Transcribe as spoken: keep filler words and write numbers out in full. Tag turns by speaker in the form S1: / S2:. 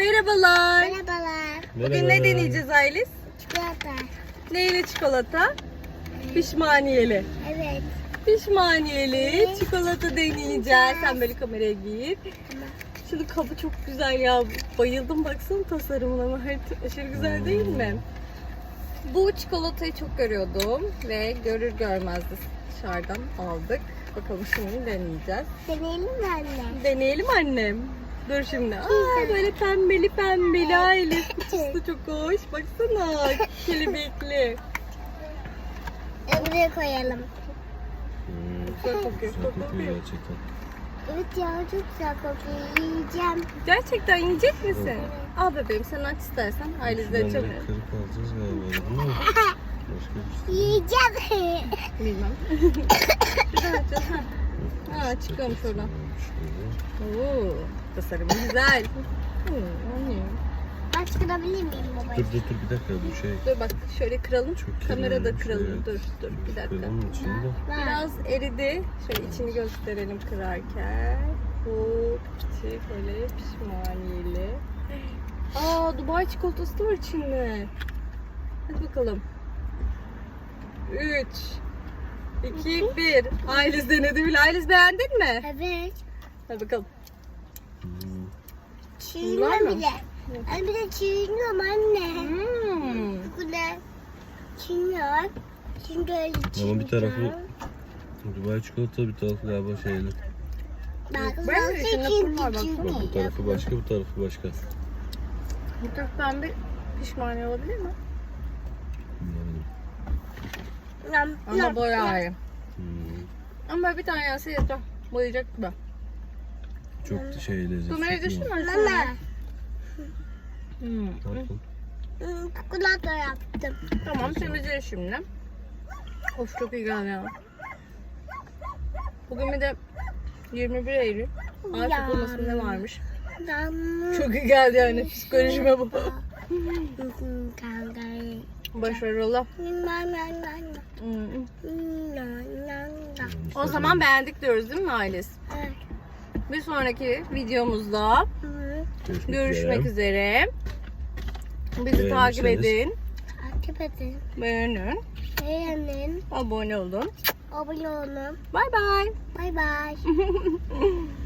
S1: Merhabalar.
S2: Merhabalar.
S1: Bugün ne deneyeceğiz Aylis?
S2: Çikolata.
S1: Neyle çikolata? Pişmaniyeli.
S2: Evet.
S1: Pişmaniyeli
S2: Evet.
S1: çikolata deneyeceğiz. Sen böyle kameraya git.
S2: Tamam.
S1: Şimdi kabı çok güzel ya. Bayıldım, baksana tasarımına. Aşırı güzel değil mi? Bu çikolatayı çok görüyordum ve görür görmez de dışarıdan aldık. Bakalım şimdi deneyeceğiz.
S2: Deneyelim mi anne?
S1: Deneyelim annem. Dur şimdi. Aa, böyle pembeli pembeli aile. Kutusu da çok hoş. Baksana. Kelebekli.
S2: E, buraya koyalım.
S1: Güzel kokuyor.
S3: Güzel kokuyor gerçekten.
S2: Evet ya, çok güzel kokuyor. Yiyeceğim.
S1: Gerçekten yiyecek misin? Al bebeğim, sen aç istersen. Ailesi de
S3: Şuradan
S1: açalım.
S3: direkt kırıp alacağız galiba, değil mi? Başka bir şey.
S2: Yiyeceğim.
S1: Bilmem. Şuradan açacağız. Ha. Ha, çıkıyormuş oradan.
S3: Şöyle.
S1: Oo, tasarımı güzel. Hmm, anlıyorum.
S2: Baş kırabilir miyim baba?
S3: Dur dur dur bir dakika bu şey.
S1: Dur bak şöyle kıralım.
S3: Çok
S1: Kamerada
S3: kirlenmiş,
S1: kıralım.
S3: evet.
S1: Dur dur bir dakika.
S3: Kıralım içinde.
S1: Biraz eridi. Şöyle içini gösterelim kırarken. Bu küçük böyle pişmaniyeli. Aa, Dubai çikolatası da var içinde. Hadi bakalım. üç, iki, bir. Ayliz denedi bile. Ayliz beğendin mi?
S2: Evet.
S1: Hadi bakalım.
S3: Hmm.
S2: Çiğniyor
S1: mı?
S2: bile. Anne bir de çiğniyorum anne.
S1: Hmm.
S2: Bu ne? Çiğniyor. Şimdi öyle çiğniyor.
S3: Ama bir tarafı Dubai çikolata, bir tarafı galiba şeyli.
S2: Bak,
S1: Ben
S2: ben
S1: de içinde pul var, baksana.
S3: Bak bu tarafı başka, bu tarafı başka.
S1: Bu tür pembe pişmaniye olabilir mi?
S3: Bilmiyorum.
S1: Ama boyayı.
S3: Hmm.
S1: Ama bir tane yense yeter. Boyayacak gibi.
S3: Çok da şey lezzetli.
S1: Kamerayı düşürme.
S2: Mama.
S1: Hmm.
S3: Bakın.
S2: Hmm, çikolata yaptım.
S1: Tamam, temizle şimdi. Of, çok iyi geldi ya. Bugün bir de yirmi bir Eylül. Ay
S2: Ya.
S1: kutlaması ne varmış?
S2: Ben...
S1: Çok iyi geldi yani, psikolojime bu. Başarılı. Hmm. O zaman beğendik diyoruz değil mi Ailes?
S2: Evet.
S1: Bir sonraki videomuzda
S3: Görüşmek,
S1: görüşmek
S3: üzere.
S1: üzere. Bizi takip
S3: Beğenirseniz.
S1: edin,
S2: Takip edin.
S1: beğenin,
S2: Beğenin.
S1: abone olun.
S2: Abone olun.
S1: Bay bay.
S2: Bay bay.